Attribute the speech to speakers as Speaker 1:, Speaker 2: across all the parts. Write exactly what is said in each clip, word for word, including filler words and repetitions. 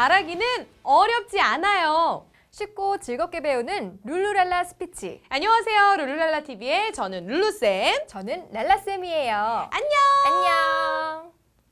Speaker 1: 말하기는 어렵지 않아요.
Speaker 2: 쉽고 즐겁게 배우는 룰루랄라 스피치.
Speaker 1: 안녕하세요. 룰루랄라 티비의 저는 룰루쌤.
Speaker 2: 저는 랄라쌤이에요.
Speaker 1: 안녕.
Speaker 2: 안녕.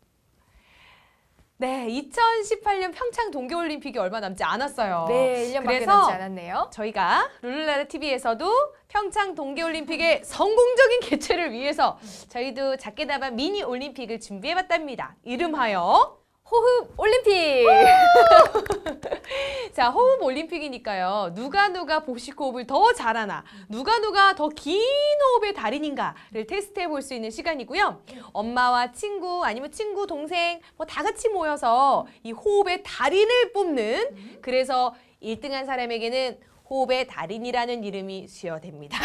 Speaker 1: 네, 이천십팔 년 평창 동계올림픽이 얼마 남지 않았어요.
Speaker 2: 네, 일 년밖에
Speaker 1: 그래서
Speaker 2: 남지 않았네요.
Speaker 1: 저희가 룰루랄라 티비에서도 평창 동계올림픽의 성공적인 개최를 위해서 저희도 작게나마 미니 올림픽을 준비해봤답니다. 이름하여
Speaker 2: 호흡 올림픽!
Speaker 1: 자, 호흡 올림픽이니까요. 누가 누가 복식 호흡을 더 잘하나, 누가 누가 더 긴 호흡의 달인인가를 테스트해 볼 수 있는 시간이고요. 엄마와 친구, 아니면 친구, 동생 뭐 다 같이 모여서 이 호흡의 달인을 뽑는, 그래서 일 등한 사람에게는 호흡의 달인이라는 이름이 수여됩니다.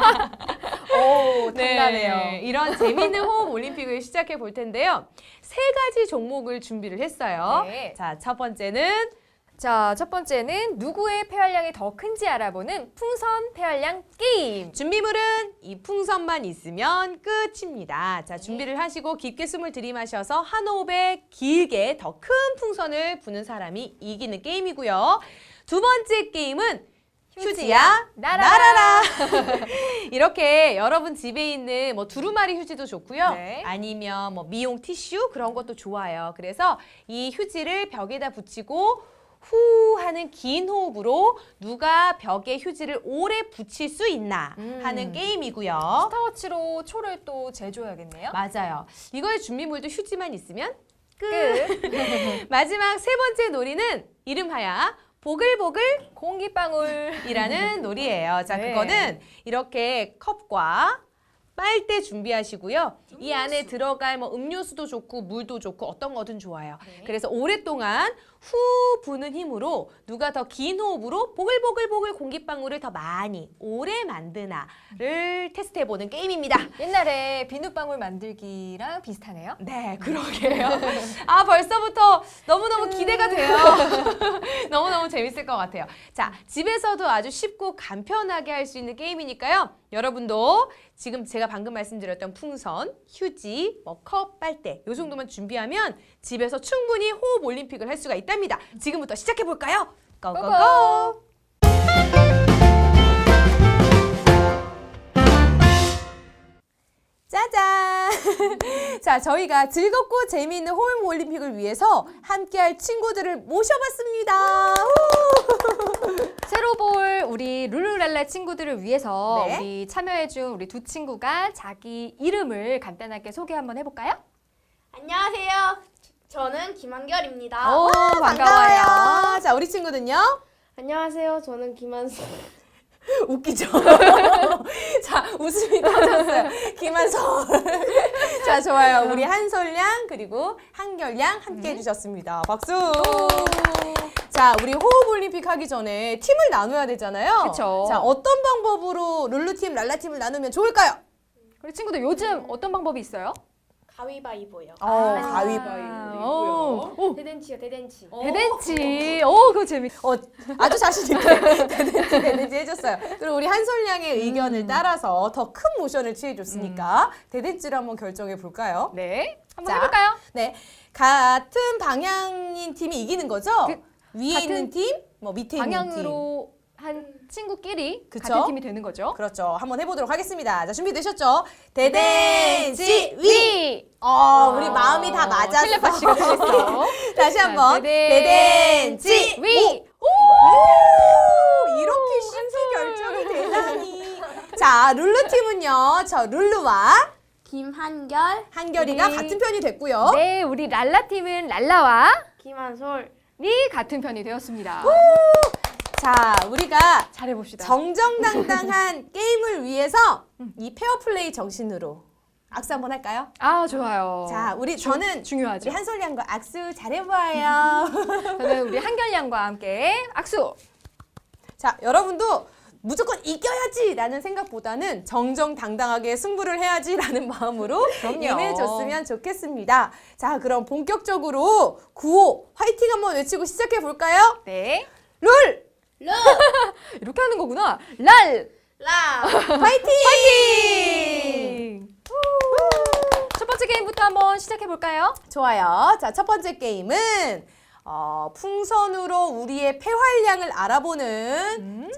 Speaker 2: 오, 탐나네요.
Speaker 1: 네, 이런 재미있는 호흡 올림픽을 시작해 볼 텐데요. 세 가지 종목을 준비를 했어요.
Speaker 2: 네.
Speaker 1: 자, 첫 번째는
Speaker 2: 자, 첫 번째는 누구의 폐활량이 더 큰지 알아보는 풍선 폐활량 게임.
Speaker 1: 준비물은 이 풍선만 있으면 끝입니다. 자, 준비를 하시고 깊게 숨을 들이마셔서 한 호흡에 길게 더 큰 풍선을 부는 사람이 이기는 게임이고요. 두 번째 게임은 휴지야 날아라. 이렇게 여러분 집에 있는 뭐 두루마리 휴지도 좋고요.
Speaker 2: 네.
Speaker 1: 아니면 뭐 미용 티슈 그런 것도 좋아요. 그래서 이 휴지를 벽에다 붙이고 후 하는 긴 호흡으로 누가 벽에 휴지를 오래 붙일 수 있나
Speaker 2: 음.
Speaker 1: 하는 게임이고요.
Speaker 2: 스타워치로 초를 또 재줘야겠네요.
Speaker 1: 맞아요. 이거의 준비물도 휴지만 있으면 끝.
Speaker 2: 끝.
Speaker 1: 마지막 세 번째 놀이는 이름하여 보글보글
Speaker 2: 공기방울이라는
Speaker 1: 놀이예요. 자,
Speaker 2: 네.
Speaker 1: 그거는 이렇게 컵과 빨대 준비하시고요. 이 안에 들어갈 뭐 음료수도 좋고 물도 좋고 어떤 거든 좋아요.
Speaker 2: 네.
Speaker 1: 그래서 오랫동안 후 부는 힘으로 누가 더 긴 호흡으로 보글보글보글 공기방울을 더 많이 오래 만드나를 테스트해보는 게임입니다.
Speaker 2: 옛날에 비눗방울 만들기랑 비슷하네요.
Speaker 1: 네, 그러게요. 아, 벌써부터 너무너무 기대가 돼요. 너무너무 재밌을 것 같아요. 자, 집에서도 아주 쉽고 간편하게 할 수 있는 게임이니까요. 여러분도 지금 제가 방금 말씀드렸던 풍선, 휴지, 뭐 컵, 빨대 이 정도만 준비하면 집에서 충분히 호흡 올림픽을 할 수가 있답니다. 지금부터 시작해볼까요? 고고고!
Speaker 2: 고고!
Speaker 1: 짜잔! 자, 저희가 즐겁고 재미있는 호흡 올림픽을 위해서 함께할 친구들을 모셔봤습니다.
Speaker 2: 새로 볼 우리 룰루랄라 친구들을 위해서
Speaker 1: 네.
Speaker 2: 우리 참여해준 우리 두 친구가 자기 이름을 간단하게 소개 한번 해볼까요?
Speaker 3: 안녕하세요. 저는 김한결입니다.
Speaker 2: 오,
Speaker 1: 반가워요. 자, 우리 친구는요?
Speaker 3: 안녕하세요. 저는 김한수.
Speaker 1: 웃기죠? 자, 웃음이 터졌어요. 김한솔. 자, 좋아요. 우리 한솔양 그리고 한결양 함께 해주셨습니다. 박수! 자, 우리 호흡 올림픽 하기 전에 팀을 나눠야 되잖아요.
Speaker 2: 그쵸.
Speaker 1: 자, 어떤 방법으로 룰루팀, 랄라팀을 나누면 좋을까요?
Speaker 2: 우리 친구들 요즘 어떤 방법이 있어요?
Speaker 3: 가위바위보요.
Speaker 1: 어,
Speaker 2: 아,
Speaker 1: 가위바위보.
Speaker 2: 오,
Speaker 3: 대댄치요, 대댄치.
Speaker 2: 대댄치. 오, 그거 재밌.
Speaker 1: 어, 아주 자신있게 되는지 되는지 해줬어요. 그리고 우리 한솔양의 의견을 따라서 더 큰 모션을 취해줬으니까 대댄지를 한번 결정해 볼까요?
Speaker 2: 네, 한번
Speaker 1: 자,
Speaker 2: 해볼까요?
Speaker 1: 네, 같은 방향인 팀이 이기는 거죠?
Speaker 2: 그,
Speaker 1: 위에
Speaker 2: 같은
Speaker 1: 있는 팀, 뭐 밑에 있는 팀.
Speaker 2: 방향으로 한 친구끼리
Speaker 1: 그쵸?
Speaker 2: 같은 팀이 되는 거죠.
Speaker 1: 그렇죠. 한번 해보도록 하겠습니다. 자, 준비되셨죠? 대댄지 위!
Speaker 2: 위.
Speaker 1: 어, 우리 마음이 다 맞았어.
Speaker 2: 텔레파시가 됐어.
Speaker 1: 다시 한번. 대댄지 위!
Speaker 2: 위.
Speaker 1: 오! 이렇게 쉽게 결정이 되다니. 자, 룰루 팀은요. 저 룰루와
Speaker 3: 김한결,
Speaker 1: 한결이가
Speaker 2: 우리-
Speaker 1: 같은 편이 됐고요.
Speaker 2: 네, 우리 랄라 팀은 랄라와
Speaker 3: 김한솔.
Speaker 2: 니 같은 편이 되었습니다.
Speaker 1: 자, 우리가
Speaker 2: 잘해 봅시다.
Speaker 1: 정정당당한 게임을 위해서 이 페어플레이 정신으로 악수 한번 할까요?
Speaker 2: 아, 좋아요.
Speaker 1: 자, 우리 저는
Speaker 2: 중요하죠.
Speaker 1: 우리 한솔양과 악수 잘해봐요.
Speaker 2: 저는 우리 한결양과 함께 악수.
Speaker 1: 자, 여러분도 무조건 이겨야지라는 생각보다는 정정당당하게 승부를 해야지라는 마음으로
Speaker 2: 그럼요.
Speaker 1: 임해줬으면 좋겠습니다. 자, 그럼 본격적으로 구호 화이팅 한번 외치고 시작해 볼까요?
Speaker 2: 네.
Speaker 1: 룰
Speaker 3: 루,
Speaker 2: 이렇게 하는 거구나. 랄.
Speaker 3: 라.
Speaker 1: 화이팅!
Speaker 2: 파이팅! 첫 번째 게임부터 한번 시작해 볼까요?
Speaker 1: 좋아요. 자, 첫 번째 게임은 어, 풍선으로 우리의 폐활량을 알아보는
Speaker 2: 음?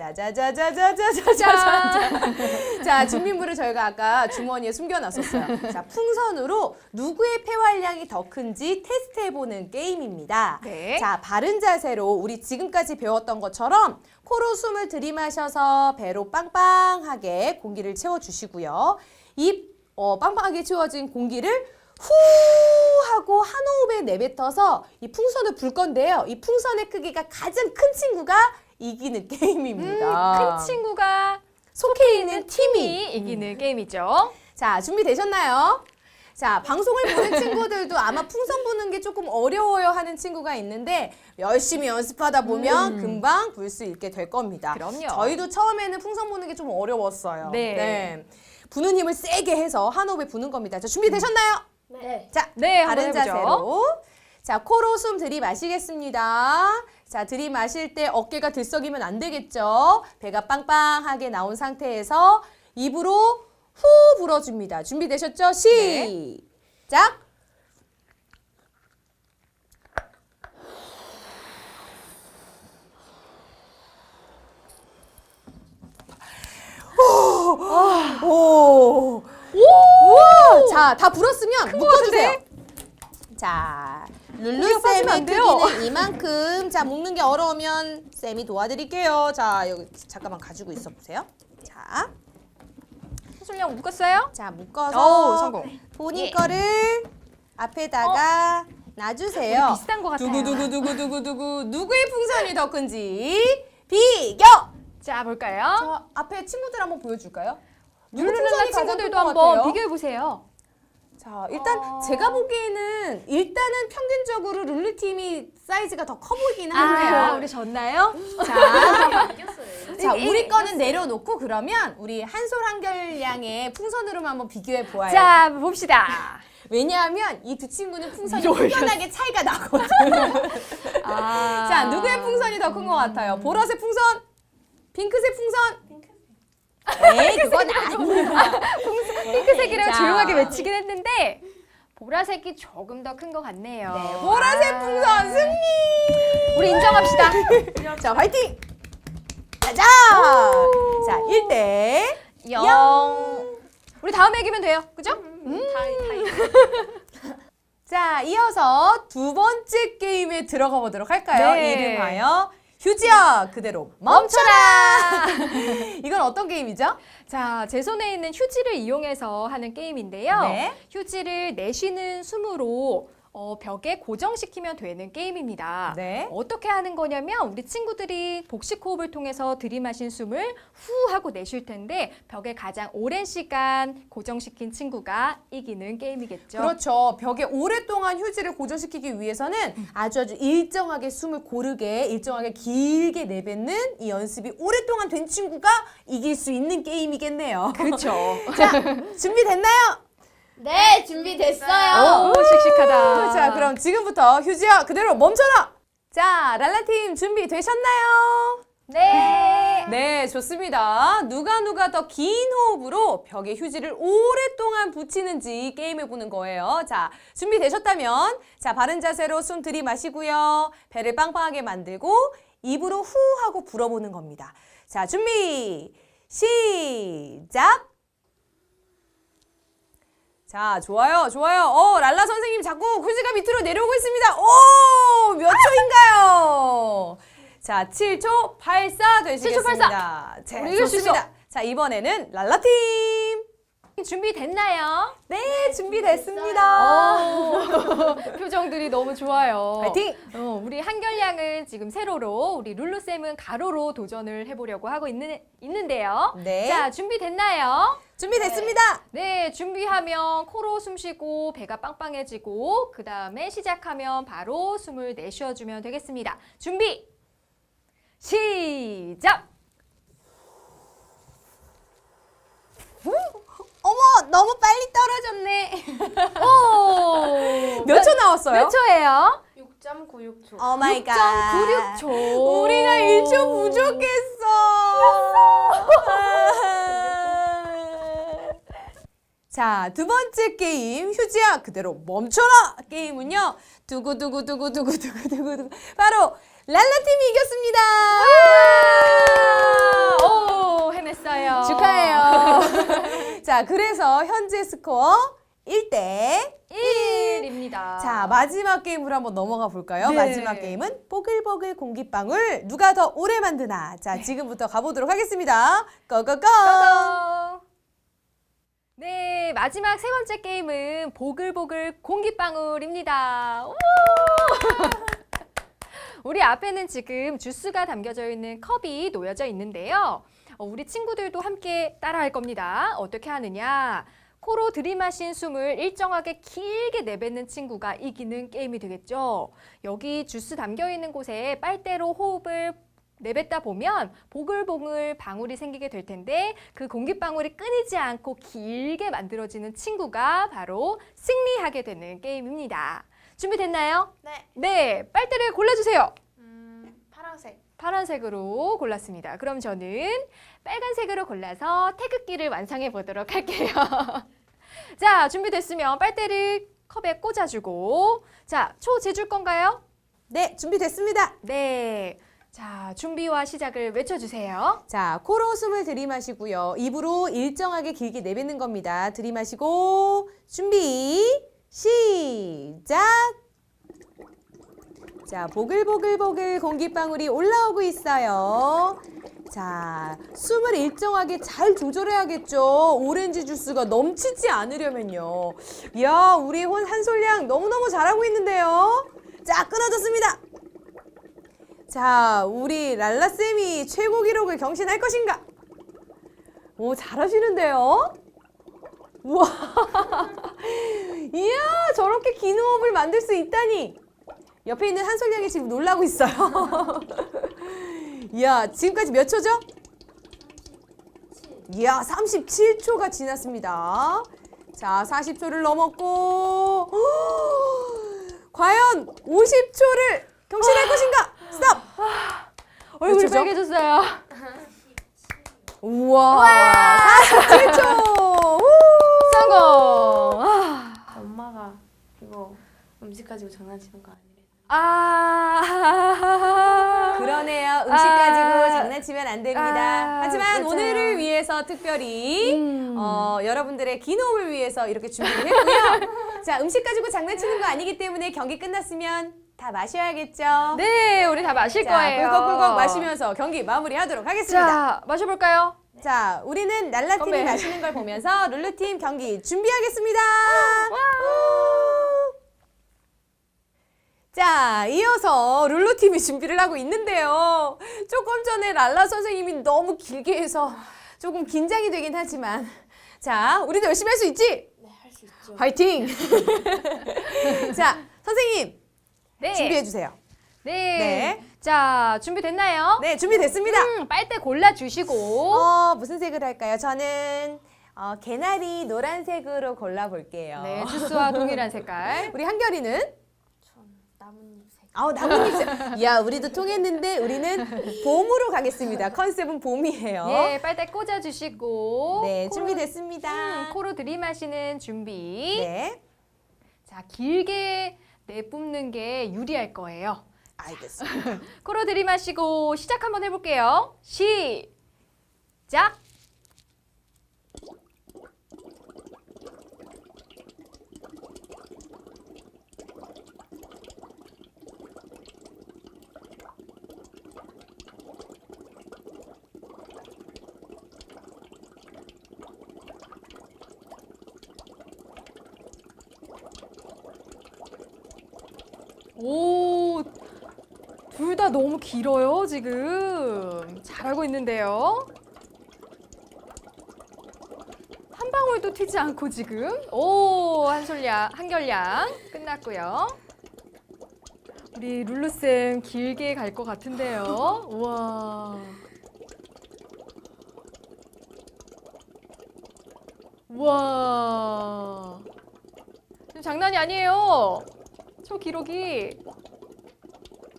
Speaker 1: 짜자자자자자자자자. 자, 준비물을 저희가 아까 주머니에 숨겨놨었어요. 자, 풍선으로 누구의 폐활량이 더 큰지 테스트해보는 게임입니다.
Speaker 2: 네.
Speaker 1: 자, 바른 자세로 우리 지금까지 배웠던 것처럼 코로 숨을 들이마셔서 배로 빵빵하게 공기를 채워주시고요. 입 어, 빵빵하게 채워진 공기를 후 하고 한 호흡에 내뱉어서 이 풍선을 불 건데요. 이 풍선의 크기가 가장 큰 친구가 이기는 게임입니다.
Speaker 2: 큰 친구가
Speaker 1: 속해 있는 팀이.
Speaker 2: 팀이 이기는 게임이죠.
Speaker 1: 자, 준비되셨나요? 자, 방송을 보는 친구들도 아마 풍선 부는 게 조금 어려워요 하는 친구가 있는데 열심히 연습하다 보면
Speaker 2: 음.
Speaker 1: 금방 불 수 있게 될 겁니다.
Speaker 2: 그럼요.
Speaker 1: 저희도 처음에는 풍선 부는 게 좀 어려웠어요.
Speaker 2: 네.
Speaker 1: 부는 힘을 세게 해서 한 호흡에 부는 겁니다. 자, 준비되셨나요?
Speaker 3: 네.
Speaker 1: 자,
Speaker 2: 네,
Speaker 1: 바른
Speaker 2: 한번 해보죠.
Speaker 1: 자세로. 자, 코로 숨 들이마시겠습니다. 자, 들이마실 때 어깨가 들썩이면 안 되겠죠? 배가 빵빵하게 나온 상태에서 입으로 후 불어줍니다. 준비되셨죠? 시작! 오! 오! 우와! 자, 다 불었으면 묶어주세요. 자, 룰루
Speaker 2: 빠지면 안
Speaker 1: 쌤의
Speaker 2: 돼요.
Speaker 1: 크기는 이만큼. 자, 묶는 게 어려우면 쌤이 도와드릴게요. 자, 여기 잠깐만 가지고 있어 보세요. 자,
Speaker 2: 수술량 묶었어요?
Speaker 1: 자 묶어서
Speaker 2: 오, 성공.
Speaker 1: 본인
Speaker 2: 예.
Speaker 1: 거를 앞에다가 놔주세요.
Speaker 2: 우리 비슷한 것 같아요.
Speaker 1: 두구두구두구두구두구 누구의 풍선이 더 큰지 비교.
Speaker 2: 자, 볼까요?
Speaker 1: 저 앞에 친구들 한번 보여줄까요? 누구
Speaker 2: 룰루랄라
Speaker 1: 풍선이 가장
Speaker 2: 친구들도
Speaker 1: 큰것
Speaker 2: 한번
Speaker 1: 같아요?
Speaker 2: 비교해 보세요.
Speaker 1: 자, 일단
Speaker 2: 어.
Speaker 1: 제가 보기에는 일단은 평균적으로 룰루 팀이 사이즈가 더 커 보이긴
Speaker 2: 아,
Speaker 1: 하네요.
Speaker 2: 우리 졌나요?
Speaker 1: 자,
Speaker 3: 이겼어요.
Speaker 1: 자,
Speaker 2: 이-
Speaker 1: 우리
Speaker 2: 이-
Speaker 1: 거는 내려놓고 그러면 우리 한솔 한결양의 풍선으로만 한번 비교해 보아요.
Speaker 2: 자, 봅시다.
Speaker 1: 왜냐하면 이 두 친구는 풍선이
Speaker 2: 이거 올렸어.
Speaker 1: 확연하게 차이가 나거든.
Speaker 2: 아.
Speaker 1: 자, 누구의 풍선이 더 큰 것 같아요? 보라색 풍선? 핑크색 풍선? 에이, 그건 아니야.
Speaker 2: 핑크색이라고
Speaker 1: 자.
Speaker 2: 조용하게 외치긴 했는데 보라색이 조금 더 큰 것 같네요.
Speaker 1: 네, 보라색 풍선 승리!
Speaker 2: 우리 인정합시다.
Speaker 1: 자, 화이팅! 짜자! 자, 일 대
Speaker 2: 영. 우리 다음에 이기면 돼요. 그죠?
Speaker 3: 다이 다이.
Speaker 1: 자, 이어서 두 번째 게임에 들어가 보도록 할까요?
Speaker 2: 네.
Speaker 1: 이름하여 휴지야 그대로 멈춰라! 이건 어떤 게임이죠?
Speaker 2: 자, 제 손에 있는 휴지를 이용해서 하는 게임인데요.
Speaker 1: 네.
Speaker 2: 휴지를 내쉬는 숨으로 어, 벽에 고정시키면 되는 게임입니다.
Speaker 1: 네.
Speaker 2: 어떻게 하는 거냐면 우리 친구들이 복식 호흡을 통해서 들이마신 숨을 후 하고 내쉴 텐데 벽에 가장 오랜 시간 고정시킨 친구가 이기는 게임이겠죠.
Speaker 1: 그렇죠. 벽에 오랫동안 휴지를 고정시키기 위해서는 아주 아주 일정하게 숨을 고르게 일정하게 길게 내뱉는 이 연습이 오랫동안 된 친구가 이길 수 있는 게임이겠네요.
Speaker 2: 그렇죠.
Speaker 1: 자, 준비됐나요?
Speaker 3: 네, 준비됐어요.
Speaker 2: 오, 씩씩하다.
Speaker 1: 자, 그럼 지금부터 휴지야 그대로 멈춰라! 자, 랄라팀 준비되셨나요?
Speaker 2: 네.
Speaker 1: 네, 좋습니다. 누가 누가 더 긴 호흡으로 벽에 휴지를 오랫동안 붙이는지 게임해보는 거예요. 자, 준비되셨다면 자, 바른 자세로 숨 들이마시고요. 배를 빵빵하게 만들고 입으로 후 하고 불어보는 겁니다. 자, 준비, 시작! 자, 좋아요, 좋아요. 어, 랄라 선생님 자꾸 휴지가 밑으로 내려오고 있습니다. 오, 몇 초인가요? 자, 칠 초 팔사 되시겠습니다. 자,
Speaker 2: 우리 이길 수
Speaker 1: 좋습니다. 자, 이번에는 랄라팀.
Speaker 2: 준비됐나요?
Speaker 1: 네, 준비됐습니다.
Speaker 2: 오, 표정들이 너무 좋아요.
Speaker 1: 파이팅!
Speaker 2: 어, 우리 한결양은 지금 세로로, 우리 룰루쌤은 가로로 도전을 해보려고 하고 있는, 있는데요.
Speaker 1: 네.
Speaker 2: 자, 준비됐나요?
Speaker 1: 준비됐습니다.
Speaker 2: 네, 준비하면 코로 숨 쉬고 배가 빵빵해지고 그 다음에 시작하면 바로 숨을 내쉬어주면 되겠습니다. 준비! 시작!
Speaker 1: 어머, 너무 빨리 떨어졌네.
Speaker 2: 오!
Speaker 1: 몇 초 나왔어요?
Speaker 2: 몇 초예요?
Speaker 3: 육 점 구육 초.
Speaker 1: 오 마이 갓.
Speaker 2: 육 점 구육 초.
Speaker 1: 우리가 일 초 부족했어. 자, 두 번째 게임 휴지야 그대로 멈춰라 게임은요. 두구두구두구두구두구두구 바로 랄라팀이 이겼습니다.
Speaker 2: 오, 해냈어요.
Speaker 1: 축하해요. 자, 그래서 현재 스코어 일 대
Speaker 2: 일입니다.
Speaker 1: 자, 마지막 게임으로 한번 넘어가 볼까요?
Speaker 2: 네.
Speaker 1: 마지막 게임은 보글보글 공기방울 누가 더 오래 만드나. 자, 지금부터 가보도록 하겠습니다. 고고고!
Speaker 2: 고고! 네, 마지막 세 번째 게임은 보글보글 공기방울입니다. 우! 우리 앞에는 지금 주스가 담겨져 있는 컵이 놓여져 있는데요. 어, 우리 친구들도 함께 따라할 겁니다. 어떻게 하느냐? 코로 들이마신 숨을 일정하게 길게 내뱉는 친구가 이기는 게임이 되겠죠. 여기 주스 담겨 있는 곳에 빨대로 호흡을 내뱉다 보면 보글보글 방울이 생기게 될 텐데 그 공기방울이 끊이지 않고 길게 만들어지는 친구가 바로 승리하게 되는 게임입니다. 준비됐나요?
Speaker 3: 네.
Speaker 2: 네, 빨대를 골라주세요.
Speaker 3: 음, 파란색.
Speaker 2: 파란색으로 골랐습니다. 그럼 저는 빨간색으로 골라서 태극기를 완성해 보도록 할게요. 자, 준비됐으면 빨대를 컵에 꽂아주고 자, 초 재줄 건가요?
Speaker 1: 네, 준비됐습니다.
Speaker 2: 네. 자, 준비와 시작을 외쳐주세요.
Speaker 1: 자, 코로 숨을 들이마시고요. 입으로 일정하게 길게 내뱉는 겁니다. 들이마시고 준비 시작! 자, 보글보글보글 공기방울이 올라오고 있어요. 자, 숨을 일정하게 잘 조절해야겠죠. 오렌지 주스가 넘치지 않으려면요. 이야, 우리 혼 한솔양 너무너무 잘하고 있는데요. 자, 끊어졌습니다. 자, 우리 랄라쌤이 최고 기록을 경신할 것인가? 오, 잘하시는데요? 우와! 이야, 저렇게 긴 호흡을 만들 수 있다니! 옆에 있는 한솔양이 지금 놀라고 있어요. 이야, 지금까지 몇 초죠? 이야, 삼십칠 초가 지났습니다. 자, 사십 초를 넘었고, 과연 오십 초를 경신할 것인가? 스톱!
Speaker 2: 얼굴이
Speaker 1: 몇 초죠?
Speaker 2: 빨개졌어요.
Speaker 1: 우와, 사십칠 초!
Speaker 2: 성공! 아,
Speaker 3: 엄마가 이거 음식 가지고 장난치는 거 아니래.
Speaker 2: 아
Speaker 1: 그러네요. 음식 가지고
Speaker 2: 아.
Speaker 1: 장난치면 안 됩니다.
Speaker 2: 아,
Speaker 1: 하지만
Speaker 2: 맞아요.
Speaker 1: 오늘을 위해서 특별히
Speaker 2: 음.
Speaker 1: 어, 여러분들의 긴 호흡을 위해서 이렇게 준비를 했고요. 자, 음식 가지고 장난치는 거 아니기 때문에 경기 끝났으면 다 마셔야겠죠.
Speaker 2: 네, 우리 다 마실
Speaker 1: 자,
Speaker 2: 거예요.
Speaker 1: 꿀꺽꿀꺽 마시면서 경기 마무리하도록 하겠습니다.
Speaker 2: 자, 마셔볼까요?
Speaker 1: 자, 우리는 랄라팀이
Speaker 2: 건배.
Speaker 1: 마시는 걸 보면서 룰루팀 경기 준비하겠습니다. 우! 자, 이어서 룰루팀이 준비를 하고 있는데요. 조금 전에 랄라 선생님이 너무 길게 해서 조금 긴장이 되긴 하지만 자, 우리도 열심히 할 수 있지?
Speaker 3: 네, 할 수 있죠.
Speaker 1: 화이팅! 자, 선생님
Speaker 2: 네.
Speaker 1: 준비해주세요.
Speaker 2: 네.
Speaker 1: 네.
Speaker 2: 자, 준비됐나요?
Speaker 1: 네, 준비됐습니다.
Speaker 2: 음, 빨대 골라주시고.
Speaker 1: 어, 무슨 색으로 할까요? 저는 어, 개나리 노란색으로 골라볼게요.
Speaker 2: 네, 주스와 동일한 색깔.
Speaker 1: 우리 한결이는?
Speaker 3: 전 나뭇잎색.
Speaker 1: 아우, 나뭇잎색. 야, 우리도 통했는데 우리는 봄으로 가겠습니다. 컨셉은 봄이에요.
Speaker 2: 예, 빨대 꽂아주시고.
Speaker 1: 네,
Speaker 2: 코로-
Speaker 1: 준비됐습니다.
Speaker 2: 음, 코로 들이마시는 준비.
Speaker 1: 네,
Speaker 2: 자, 길게 내뿜는 게 유리할 거예요.
Speaker 1: 알겠습니다.
Speaker 2: 코로 들이마시고 시작 한번 해볼게요. 시작! 오, 둘 다 너무 길어요, 지금. 잘하고 있는데요. 한 방울도 튀지 않고 지금. 오, 한솔양, 한결양 끝났고요. 우리 룰루쌤 길게 갈 것 같은데요. 우와. 우와. 지금 장난이 아니에요. 저 기록이.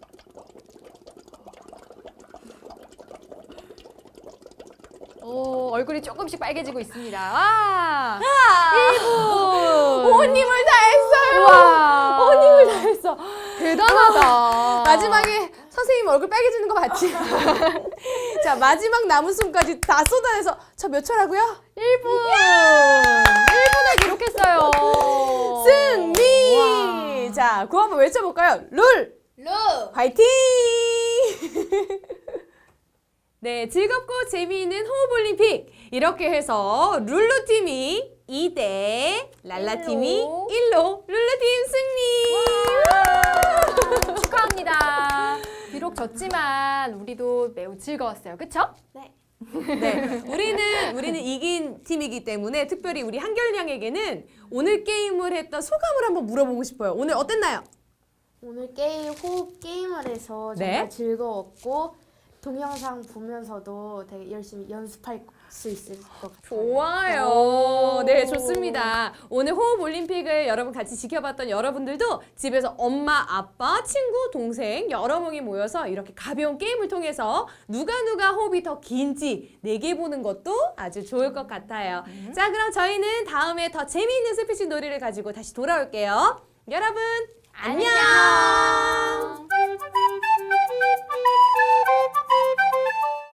Speaker 2: 어, 얼굴이 조금씩 빨개지고 있습니다. 와!
Speaker 1: 일 분. 호호님을 다 했어요.
Speaker 2: 와!
Speaker 1: 호호님을 다 했어.
Speaker 2: 대단하다.
Speaker 1: 마지막에 선생님 얼굴 빨개지는 거 봤지? 자, 마지막 남은 숨까지 다 쏟아내서 저 몇 초라고요?
Speaker 2: 일 분! 일 분을 기록했어요.
Speaker 1: 승리!
Speaker 2: 와.
Speaker 1: 자, 구호 한번 외쳐볼까요? 룰!
Speaker 3: 루.
Speaker 1: 화이팅! 네, 즐겁고 재미있는 호흡올림픽. 이렇게 해서 룰루팀이 이 대 랄라팀이
Speaker 2: 일로.
Speaker 1: 일 로 룰루팀 승리!
Speaker 2: 축하합니다. 비록 졌지만 우리도 매우 즐거웠어요. 그쵸?
Speaker 3: 네.
Speaker 1: 네, 우리는 우리는 이긴 팀이기 때문에 특별히 우리 한결 양에게는 오늘 게임을 했던 소감을 한번 물어보고 싶어요. 오늘 어땠나요?
Speaker 3: 오늘 게임 호흡 게임을 해서
Speaker 1: 네.
Speaker 3: 정말 즐거웠고 동영상 보면서도 되게 열심히 연습할 수 있을 것 같아요.
Speaker 1: 좋아요.
Speaker 2: 오.
Speaker 1: 네, 좋습니다. 오늘 호흡 올림픽을 여러분 같이 지켜봤던 여러분들도 집에서 엄마, 아빠, 친구, 동생 여러 명이 모여서 이렇게 가벼운 게임을 통해서 누가 누가 호흡이 더 긴지 내게 보는 것도 아주 좋을 것 같아요. 자, 그럼 저희는 다음에 더 재미있는 스피치 놀이를 가지고 다시 돌아올게요. 여러분, 안녕.